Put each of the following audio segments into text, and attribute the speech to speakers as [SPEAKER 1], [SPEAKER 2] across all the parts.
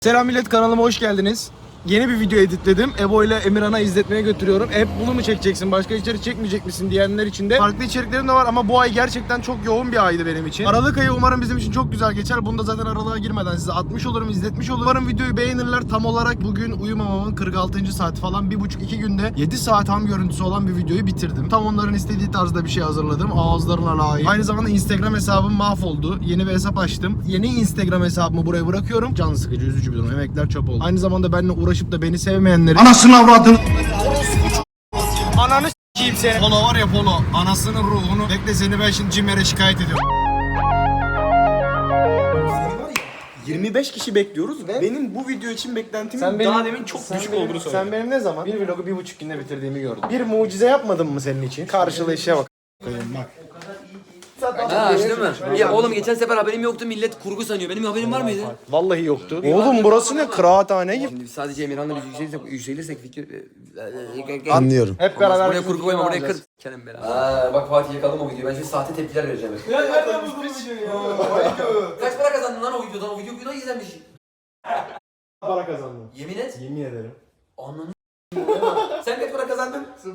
[SPEAKER 1] Selam millet, kanalıma hoş geldiniz. Yeni bir video editledim. Ebo ile Emirhan'a izletmeye götürüyorum. Hep bunu mu çekeceksin, başka içerik çekmeyecek misin diyenler için de farklı içeriklerim de var ama bu ay gerçekten çok yoğun bir aydı benim için. Aralık ayı umarım bizim için çok güzel geçer. Bunu da zaten aralığa girmeden size atmış olurum, izletmiş olurum. Umarım videoyu beğenirler. Tam olarak bugün uyumamamın 46. saati falan. 1,5-2 günde 7 saat ham görüntüsü olan bir videoyu bitirdim. Tam onların istediği tarzda bir şey hazırladım. Ağızlarına layık. Aynı zamanda Instagram hesabım mahvoldu. Yeni bir hesap açtım. Yeni Instagram hesabımı buraya bırakıyorum. Can sıkıcı, üzücü bir durum. Emekler çöp oldu. Aynı zamanda benimle uğraşıp da beni sevmeyenleri...
[SPEAKER 2] Anasını avradın.
[SPEAKER 1] Ananı s**eyim seni. Polo var ya Polo. Anasının ruhunu. Bekle seni ben şimdi Cimer'e şikayet ediyorum.
[SPEAKER 3] 25 kişi bekliyoruz ve benim bu video için beklentimin daha demin çok düşük olduğunu söyledim.
[SPEAKER 1] Sen benim ne zaman bir vlogu 1,5 günde bitirdiğimi gördün. Bir mucize yapmadım mı senin için? Karşılığı işe bak. Bak.
[SPEAKER 4] Ha değil mi? Ya oğlum geçen sefer haberim yoktu, millet kurgu sanıyor. Benim haberim var mıydı?
[SPEAKER 1] Vallahi yoktu. Oğlum burası ne? Kıraathane gibi.
[SPEAKER 4] Şimdi sadece Emirhan'la biz yükselirsek fikir...
[SPEAKER 2] Anlıyorum.
[SPEAKER 1] Hep beraber.
[SPEAKER 4] Buraya kurgu koyma, buraya kır. Kerim beraber. Bak Fatih yakalım o videoyu. Ben şimdi sahte tepkiler vereceğim.
[SPEAKER 3] Ya nereden buldun bu videoyu ya?
[SPEAKER 4] Kaç para kazandın lan o videodan? O video izlenmiş.
[SPEAKER 1] Para kazandım.
[SPEAKER 4] Yemin et.
[SPEAKER 1] Yemin ederim.
[SPEAKER 4] Ananı sen kaç para kazandın? 0.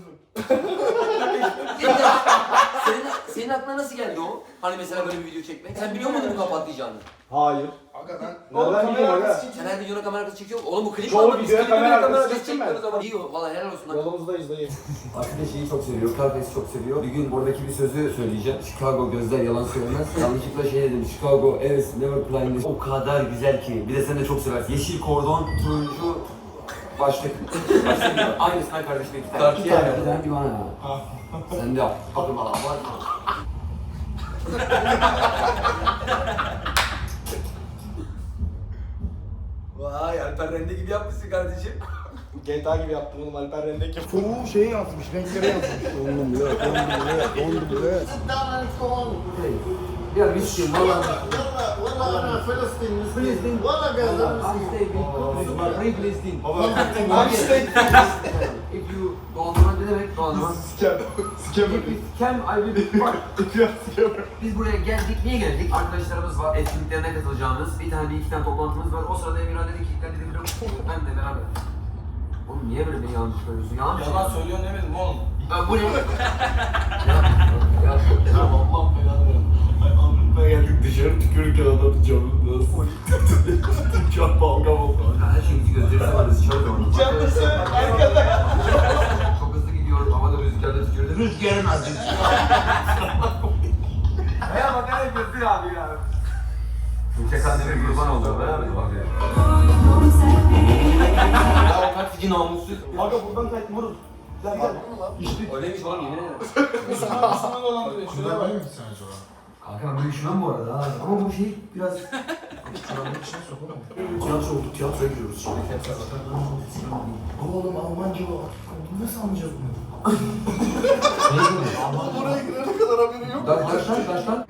[SPEAKER 4] senin aklına nasıl geldi o? Hani mesela böyle bir video çekmek. Sen biliyor muydun bunu patlayacağını?
[SPEAKER 1] Hayır.
[SPEAKER 3] Oğlum kamera arkası
[SPEAKER 4] Sen her videona kamera arkası çekiyor. Oğlum bu klip
[SPEAKER 1] Çoğu
[SPEAKER 4] var. Biz
[SPEAKER 1] videoya
[SPEAKER 4] klip
[SPEAKER 1] kamera
[SPEAKER 4] kamera
[SPEAKER 1] arkası
[SPEAKER 4] arkası
[SPEAKER 1] çektim ben.
[SPEAKER 4] çekiyoruz ama. İyi o. Valla helal olsun lan.
[SPEAKER 1] Yolumuzdayız dayı.
[SPEAKER 5] Aslında şeyi çok seviyor, Carpes'i çok seviyor. Bir gün oradaki bir sözü söyleyeceğim. Chicago gözler yalan söylemez. Yanlışlıkla şey dedim, Chicago is never blind. O kadar güzel ki. Bir de sen de çok seversin. Yeşil kordon, turuncu başlık. Başlık diyor. Aynısından kardeşim iki tane. İki tane. Bir tane bir bana ya. Sen de yap. Kapım alan var mı?
[SPEAKER 4] Vay Alper Rende gibi yapmışsın kardeşim.
[SPEAKER 1] GTA gibi yaptım oğlum, Alper Rendek yaptım.
[SPEAKER 2] Çoğu şeyi yazmış, renkleri yazmış. Dondum bile, dondum bile.
[SPEAKER 5] Ya bir şey valla. If you dondurma ne demek dondurma? Scam I will fuck. Biz buraya geldik. Niye geldik? Arkadaşlarımız var. Etkinliklerine katılacağımız. Bir iki tane toplantımız var. O sırada Emirhan dedi ki ben dedim ben de beraber. Oğlum niye böyle bir yanlış söylüyorsun? Yanlış
[SPEAKER 3] Yalan söylüyorsun demedim oğlum.
[SPEAKER 5] Bu ne?
[SPEAKER 3] Allah belanı versin. Avrupa'ya geldik dışarı tükürürken adam camında çok balgam oldu.
[SPEAKER 5] Her şeyimizi gösterirse varız. Çabuk onu.
[SPEAKER 3] Canlısı arkada.
[SPEAKER 5] Çok hızlı gidiyorum. Havada rüzgarda tutuyordu. Rüzgarın azıcık.
[SPEAKER 3] Ya bak ne yapıyorsun abi ya.
[SPEAKER 5] Yüksek anneme kurban oldu. Beraber bak ya.
[SPEAKER 3] Ya o taksici namussuz. Aga buradan kaç vurur. Sen gel.
[SPEAKER 4] Öyleymiş oğlum yemin ederim.
[SPEAKER 3] Sana dolandırıyor. Şuraya bak.
[SPEAKER 5] Kanka ben böyle üşümem bu arada ha. Ama bu şey biraz...
[SPEAKER 2] Tiyatro oldu, tiyatroya giriyoruz şimdi. Oğlum Almanca o. Nasıl anlayacağız bunu? Buraya girene kadar haberi yok.
[SPEAKER 5] Kaç lan?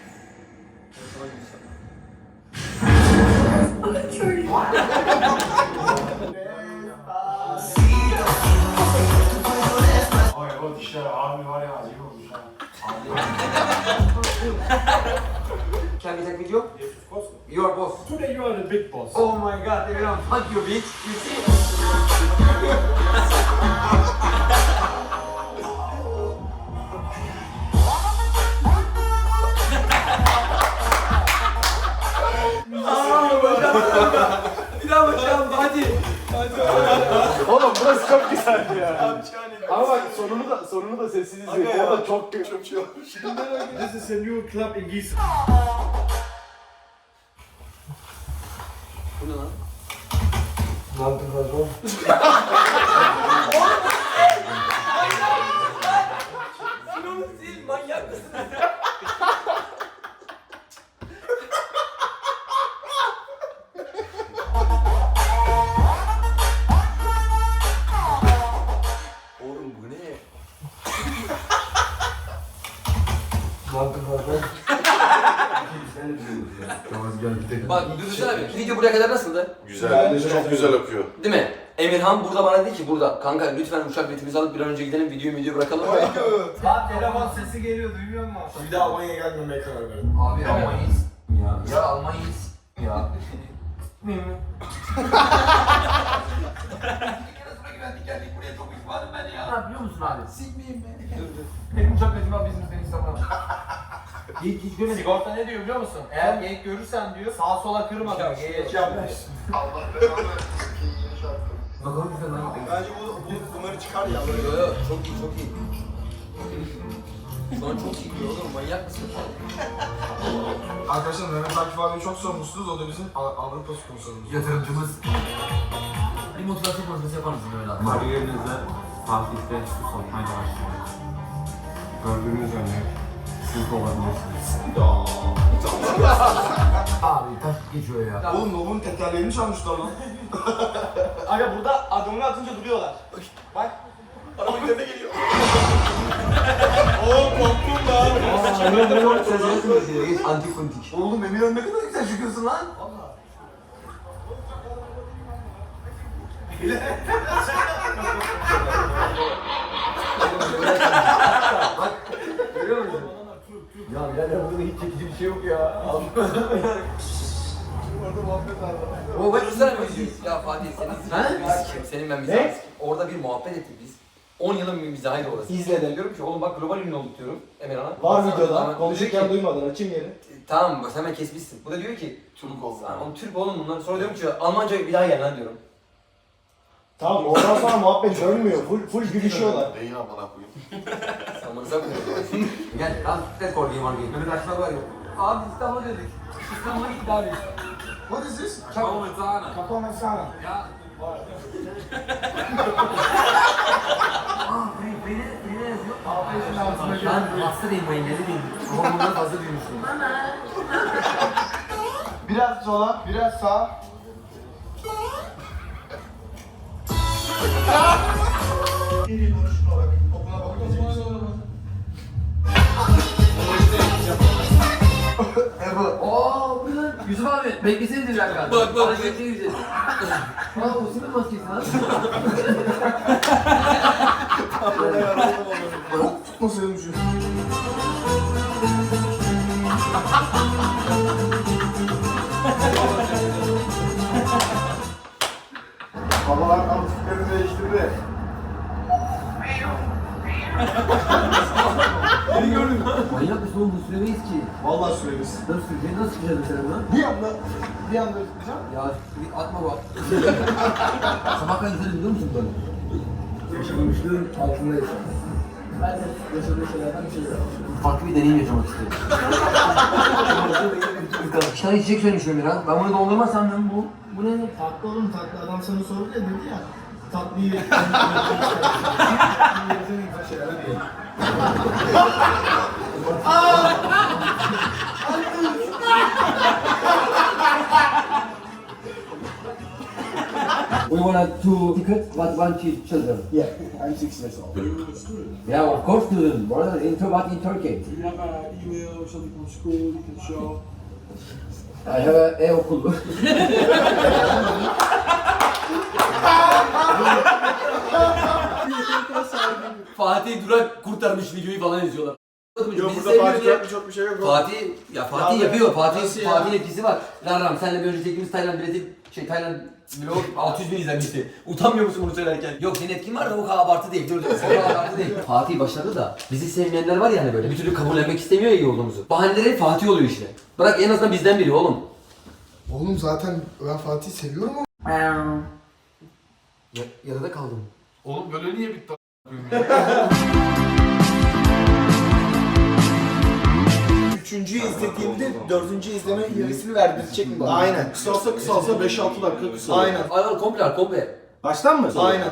[SPEAKER 3] Ay o dişler abi var ya acayip olmuş ha.
[SPEAKER 5] Can we take video? You are boss.
[SPEAKER 3] Today you are the big boss.
[SPEAKER 5] Oh my god, everyone, fuck you bitch. You see?
[SPEAKER 4] Bir daha bakacağım hadi.
[SPEAKER 1] Oğlum burası çok güzeldi ya. Ama bak sonunu da sessiz izleyin. O da çok kötü.
[SPEAKER 3] This is a new club in Gießen.
[SPEAKER 4] Bu ne lan?
[SPEAKER 5] Ne yaptın patron?
[SPEAKER 4] Sinonu sil manyak mısın? Oğlum bu ne?
[SPEAKER 5] Ne yaptın patron? Sen de biliyorsun ya. Tamam gel gidelim.
[SPEAKER 4] Bak Dürüst abi video buraya kadar nasıldı?
[SPEAKER 6] Güzel, çok güzel akıyor.
[SPEAKER 4] Değil mi? Emirhan burada bana dedi ki burada kanka lütfen uçak biletimizi alıp bir an önce gidelim videoyu bırakalım.
[SPEAKER 3] Abi telefon sesi geliyor duymuyor musun? Bir daha Almanya'ya gelmemeye karar verdim.
[SPEAKER 5] Abi Almanya'yız. Ya Almanya'yız. Ya.
[SPEAKER 4] Ne yapıyor musun abi? Sikmeyeyim ben. Benim uçak abi bizim seni istemem. Hiç görmedik.
[SPEAKER 7] Sigorta ne diyor biliyor musun? Eğer geyik görürsen diyor sağa sola kırma diyor. Geyiğe yapmış.
[SPEAKER 4] Bakalım güzel lan.
[SPEAKER 2] Bence bunları çıkar ya.
[SPEAKER 4] Yo yo çok iyi çok iyi. Şu an çok iyi gidiyor oğlum manyak mısın?
[SPEAKER 1] Arkadaşlar Mehmet Akif abi çok sormuşsunuz. O da bizim Avrupa sponsorumuz.
[SPEAKER 4] Yatırımcımız. Bir motivasyon konuşması yapar mısın Mehmet abi?
[SPEAKER 5] Kariyerinizde Fatih'te su sokmaya başlıyor. Gördüğünüz örnek siz de olabilirsiniz.
[SPEAKER 4] Abi taş geçiyor ya.
[SPEAKER 1] Oğlum Nob'un tekerleğini çalmışlar lan.
[SPEAKER 7] Aga burada adımını atınca duruyorlar. Bak. Araba üzerine geliyor.
[SPEAKER 5] Geç antik funtik.
[SPEAKER 1] Oğlum Emirhan ne kadar güzel çıkıyorsun lan.
[SPEAKER 4] Görüyor musun? Ya birader burada hiç çekici bir şey yok ya. O bak güzel mi izliyoruz? Ya Fatih senin senin ben mizahı sikeyim. Orada bir muhabbet ettik biz. 10 yılın bir mizahıydı orası. İzledim. Diyorum ki oğlum bak global ünlü olduk diyorum Emirhan'a.
[SPEAKER 1] Var
[SPEAKER 4] Tamam,
[SPEAKER 1] videoda. Konuşurken
[SPEAKER 4] diyor ki,
[SPEAKER 1] duymadın. Açayım yeri.
[SPEAKER 4] tamam bak hemen kesmişsin. Bu da diyor ki
[SPEAKER 6] Türk oldu.
[SPEAKER 4] Oğlum Türk oğlum bunlar. Sonra diyorum ki Almanca bir daha gel lan diyorum.
[SPEAKER 1] Tamam oradan sonra muhabbet dönmüyor. Full gülüşüyorlar.
[SPEAKER 6] Değil amına koyayım.
[SPEAKER 4] Samanıza koyuyorum. Gel lan tek korkayım var gel. Mehmet Akşar var ya. Abi İstanbul'a dedik. İstanbul'a gittik abi.
[SPEAKER 1] What is this?
[SPEAKER 7] Kapamazana.
[SPEAKER 1] Kapamasana.
[SPEAKER 7] Ya.
[SPEAKER 4] Beni yazıyor. Ben hasta değilim bu engelli değilim. Ama bundan fazla büyümüşüm.
[SPEAKER 1] Biraz sola, biraz sağa.
[SPEAKER 4] Ooo bu lan. Yusuf abi beklesenize bir dakika. Bak bak. Hareketine gireceğiz. Aa o sinir maskesi lan.
[SPEAKER 1] Tutmasaydım şu.
[SPEAKER 2] Babalar antiklerini değiştirdi.
[SPEAKER 4] Manyak mısın oğlum bu süremeyiz ki.
[SPEAKER 1] Vallahi süreriz.
[SPEAKER 4] Nasıl süreceğiz? Nasıl süreceğiz mesela bunu?
[SPEAKER 1] Bir anda tutacağım.
[SPEAKER 4] Ya atma bak. Sabah kadar izledim biliyor musun böyle? Yaşamışlığın altında yaşadım. Ben de yaşadığım şeylerden bir şey yok. Farklı bir deneyim yaşamak istedim. Sana içecek söylemiş Ömer ha. Ben bunu dondurmazsam ben bu ne?
[SPEAKER 1] Tatlı oğlum tatlı. Adam sana sordu ya dedi ya. Tatlıyı şeyler değil.
[SPEAKER 8] We wanted 2 tickets, but 1 children.
[SPEAKER 1] Yeah, I'm 6 years old.
[SPEAKER 8] Yeah, of course, children, brother. But in Turkey.
[SPEAKER 2] You have an email or something from school you can show.
[SPEAKER 8] I have a e-okul.
[SPEAKER 4] Fatih Durak kurtarmış videoyu falan izliyorlar.
[SPEAKER 2] Yok
[SPEAKER 4] Bizi
[SPEAKER 2] burada
[SPEAKER 4] sevmiyor
[SPEAKER 2] Fatih
[SPEAKER 4] diye-
[SPEAKER 2] yapmış çok bir şey yok.
[SPEAKER 4] Fatih
[SPEAKER 2] Ya,
[SPEAKER 4] yapıyor.
[SPEAKER 2] nasıl ya?
[SPEAKER 4] Fatih'in etkisi var. Lan senle bir önce çektiğimiz Tayland bileti Tayland vlog 600 bin izlenmişti. Utanmıyor musun bunu söylerken? Yok senin etkin var da o kadar abartı değil. Dur o kadar abartı değil. Fatih başladı da bizi sevmeyenler var ya hani böyle bir türlü kabullenmek istemiyor ya iyi olduğumuzu. Bahaneleri Fatih oluyor işte. Bırak en azından bizden biri oğlum.
[SPEAKER 1] Oğlum zaten ben Fatih'i seviyorum ama.
[SPEAKER 4] Yarıda kaldım.
[SPEAKER 6] Oğlum böyle niye bitti?
[SPEAKER 1] Üçüncüyü izlediğimde dördüncü izleme yarısını verdirecek mi bana? Aynen.
[SPEAKER 2] Kısalsa 5-6 dakika kısa.
[SPEAKER 1] Aynen.
[SPEAKER 4] Ay komple komple.
[SPEAKER 1] Baştan mı? Aynen.